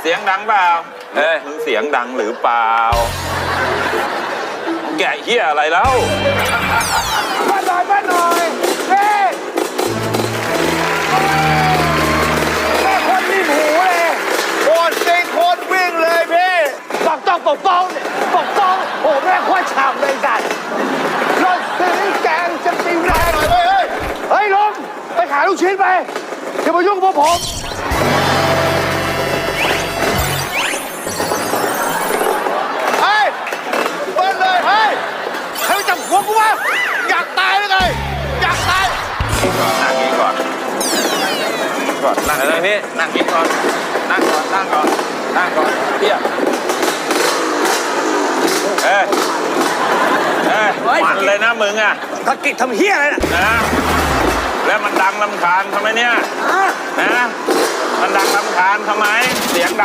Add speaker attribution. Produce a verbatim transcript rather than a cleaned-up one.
Speaker 1: สียงดังเปล่า
Speaker 2: เฮ้ย
Speaker 1: มึงเสียงดังหรือเปล่าแกะเหี้ยอะไรแล้ว
Speaker 3: มาหน่อยมาหน่อยเฮ้แม่คนรีบหูเลยโคนซิงโคนวิ่งเลยพี่ปกต้องปกป้องปกป้องโอ้แม่โคตรฉ่ำเลยสัตว์รถสีแกงจะตีแรงเฮ้ยเฮ้ยเฮ้ยลงไปขายลูกชิ้นไปอย่ามายุ่งกับพวกผมเฮ้ยเบิ้ลเลยเฮ้ยใครไปจับหัวกูวะอยากตายหรือไงอยากตาย
Speaker 1: นั่งนี้ก่อนก่อนนั่ง
Speaker 2: อะไรนี่
Speaker 1: นั่งนี้ก่อนนั่งก่อนนั่งก่อนนั่งก่อนเพี้ยเอ้ยเอ้ยมันเลยนะมึงอ่ะ
Speaker 3: ตะกิดทำเฮี้ยอะไรน่ะ
Speaker 1: นะแล้วมันดังรำคาญทำไมเนี่ยนะมันดังรำคาญทำไมเสียงดัง